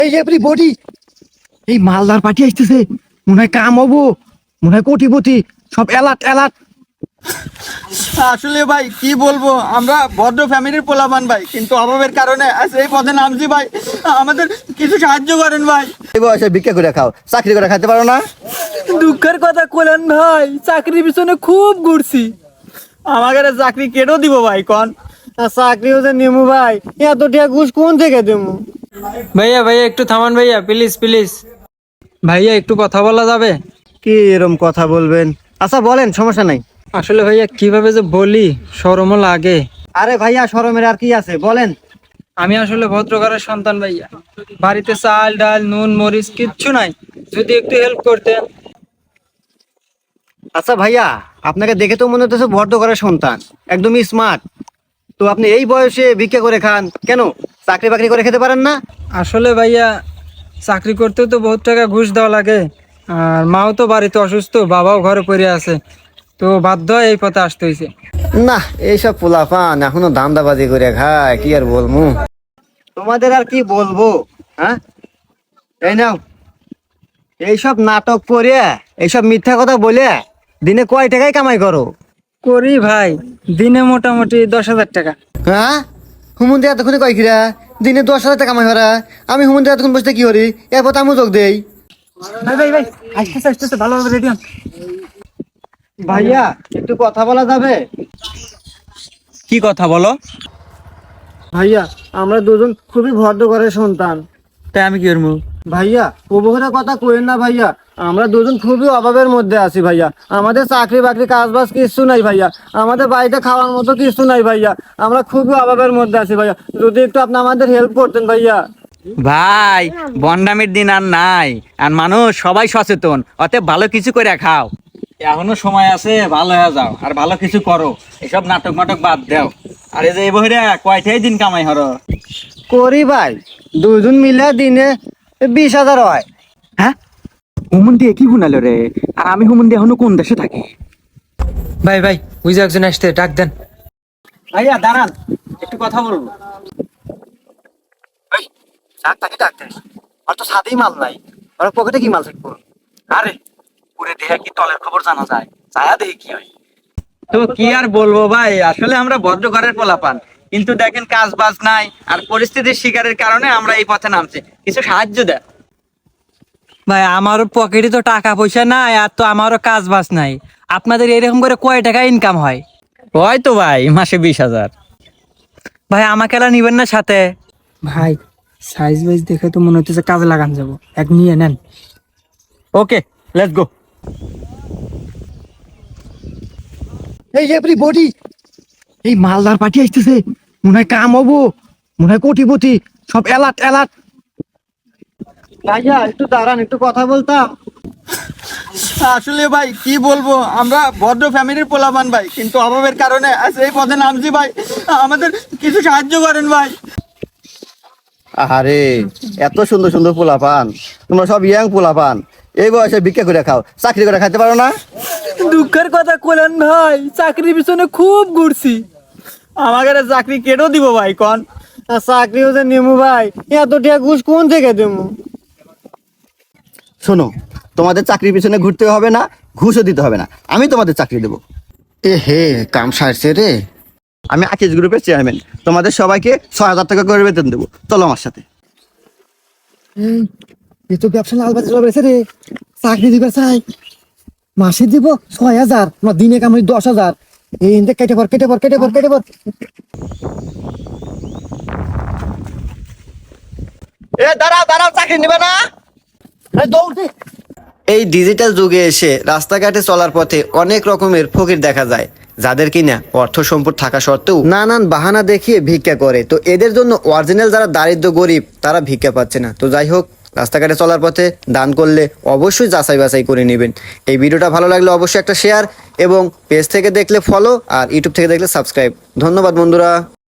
এই এভরিবডি, এই মালদার পার্টি আসতেছে, মনে হয় কাম হবো, মনে হয় কোটিপতি, সব অ্যালার্ট অ্যালার্ট। আসলে ভাই কি বলবো, আমরা ভদ্র ফ্যামিলির পোলাপান ভাই, কিন্তু অভাবের কারণে আজ এই পথে নামছি ভাই। আমাদের কিছু সাহায্য করেন ভাই। এই বয়সে ভিক্ষা করে খাও, চাকরি করে খাইতে পারো না? দুঃখের কথা কলেন ভাই, চাকরির পিছনে খুব ঘুরছি, আমাকে চাকরি কেটেও দিব ভাই কন। চাকরিও যে নেমু ভাই, এত টাকা ঘুষ কোন থেকে দেবো? ভাইয়া ভাইয়া একটু থামান ভাইয়া, প্লিজ প্লিজ। ভাইয়া একটু কথা বলা যাবে? কি এরম কথা বলবেন? আচ্ছা বলেন, সমস্যা নাই। আসলে ভাইয়া কিভাবে যে বলি, শরমও লাগে। আরে ভাইয়া, শরমের আর কি আছে, বলেন। আমি আসলে ভদ্রঘরের সন্তান ভাইয়া, বাড়িতে চাল ডাল নুন মরিচ কিচ্ছু নাই, যদি একটু হেল্প করতেন। আচ্ছা ভাইয়া, আপনাকে দেখে তো মনে হচ্ছে ভদ্র ঘরের সন্তান, একদমই স্মার্ট। তো আপনি এই বয়সে ভিক্ষা করে খান কেন? চাকরি বাকরি করে খেতে পারেন না? আসলে ভাইয়া চাকরি করতেও তো বহুত টাকা ঘুষ দেওয়া লাগে, আর মাও তো বাড়িতে অসুস্থ, বাবাও ঘরে পড়ে আছে, তো বাধ্য হয়ে এই পথে আসতে হয়েছে। না, এইসব পোলাপান এখনো ধান্দাবাজি করে খায়, কি আর বলবো। তোমাদের আর কি বলবো, হ্যাঁ? এই নাও, এইসব নাটক করে, এইসব মিথ্যা কথা বলে দিনে কয় টাকায় কামাই করো? করি ভাই, দিনে মোটামুটি 10,000 টাকা। হ্যাঁ, হুমন্দি এতক্ষণে কয় কিরা দিনে 10,000 টাকা কামাই করা? আমি হুমন্দি এতক্ষণ বসতে কি করি? এরপর আমি যোগ দেই। ভাই ভাই ভাই, আসতেছে আসতেছে, ভালোভাবে রেডি হন। ভাইয়া একটু কথা বলা যাবে? কি কথা বলো? ভাইয়া, আমরা দুজন খুবই ভদ্র ঘরের সন্তান। তাই আমি কি করবো? ভাইয়া উপকারের কথা কইেন না ভাইয়া, আমরা দুজন খুবই অভাবের মধ্যে আছি ভাইয়া। আমাদের চাকরি বাকরি কাজ বাজ কিছু নাই ভাইয়া, আমাদের বাড়িতে খাওয়ার মতো কিছু নাই ভাইয়া, আমরা খুবই অভাবের মধ্যে আছি ভাইয়া, যদি একটু আপনি আমাদের হেল্প করতেন ভাইয়া। ভাই বন্ডামির দিন আর নাই, আর মানুষ সবাই সচেতন, অতএব ভালো কিছু করে খাও, এখনো সময় আছে, ভালো হয়ে যাও আর ভালো কিছু করো, এসব নাটক মাটক বাদ দাও। আর এই যে এই বহিরা কয়টাই দিন কামাই হরো? করি ভাই, দুজন মিলে দিনে 20,000 হয়। হ্যাঁ, হুমন দিয়ে কি গুনালো রে? আর আমি হুমন দিয়ে এখনো কোন দেশে থাকি? ভাই ভাই, ওই যে একজন আসতে, ডাক দেন। ভাইয়া দাঁড়ান, একটু কথা বলবো। তাকে ডাকতে, আর তো সাদেই মাল নাই, আর পকেটে কি মাল থাকবো? আরে পুরে দেহে কি তলের খবর জানা যায়, ছায়া দেখে কি হয়। তো কি আর বলবো ভাই, আসলে আমরা ভদ্র ঘরের পোলাপান, কিন্তু দেখেন কাজ বাজ নাই, আর পরিস্থিতির শিকারের কারণে আমরা এই পথে নামছি, কিছু সাহায্য দেয়। ভাই আমারও পকেটে তো টাকা পয়সা নাই, আর তো আমারও কাজ বাজ নাই। আপনাদের এরকম করে কয় টাকা ইনকাম হয়? হয়তো ভাই মাসে 20,000। ভাই আমাকে এলা নিবেন না সাথে? ভাই সাইজ বাইজ দেখে তো মনে হচ্ছে কাজে লাগান যাবো, এক নিয়ে নেন। Okay, let's go. এই এভরিবডি, এই মালদার পার্টি আসতেছে, মনে হয় কাম হবো, মনে হয় কোটিপতি, সব অ্যালার্ট অ্যালার্ট। ভাইয়া একটু দাঁড়ান, একটু কথা বলতাম। আসলে ভাই কি বলবো, আমরা ভদ্র ফ্যামিলির পোলাপান ভাই, কিন্তু অভাবের কারণে আজ এই পথে নামছি ভাই, আমাদের কিছু সাহায্য করেন ভাই। আরে, এত সুন্দর সুন্দর পোলাপান, তোমরা সব ইয়াং পোলাপান, এই বয়সে ভিক্ষা করে খাও, চাকরি করে খাইতে পারো না? দুঃখের কথা কলেন ভাই, চাকরির পিছনে খুব ঘুরছি, আমাকে চাকরি কেটেও দিব ভাই কন। চাকরিও যে নেমু ভাই, এত টাকা ঘুষ কোন থেকে দেবো? শোনো, তোমাদের চাকরির পিছনে ঘুরতে হবে না, ঘুষও দিতে হবে না, আমি তোমাদের চাকরি দেবো। এ হে, কাম সারছে রে। আমি আকিজ গ্রুপের চেয়ারম্যান, তোমাদের সবাইকে 6,000 টাকা করে বেতন দেবো, চলো আমার সাথে। এ তো ব্যবসা লালবাজি চলে রে, চাকরি দিবে চাই, মাসে দিব 6,000, না দিনে কামাই 10,000। এই ইন্দে কেটে পর কেটে পর কেটে পর কেটে পর। এ দাঁড়াও দাঁড়াও, চাকরি নেবে না? দৌড় দে। এই ডিজিটাল যুগে এসে রাস্তাঘাটে চলার পথে অনেক রকমের ফকির দেখা যায়, যাদের কিনা অর্থ সম্পদ থাকা সত্ত্বেও নানান বাহানা দেখিয়ে ভিক্ষা করে। তো এদের জন্য অরিজিনাল যারা দারিদ্র গরিব, তারা ভিক্ষা পাচ্ছে না। তো যাই হোক, রাস্তাঘাটে চলার পথে দান করলে অবশ্যই যাচাই বাছাই করে নেবেন। এই ভিডিওটা ভালো লাগলে অবশ্যই একটা শেয়ার, এবং পেজ থেকে দেখলে ফলো, আর ইউটিউব থেকে দেখলে সাবস্ক্রাইব। ধন্যবাদ বন্ধুরা।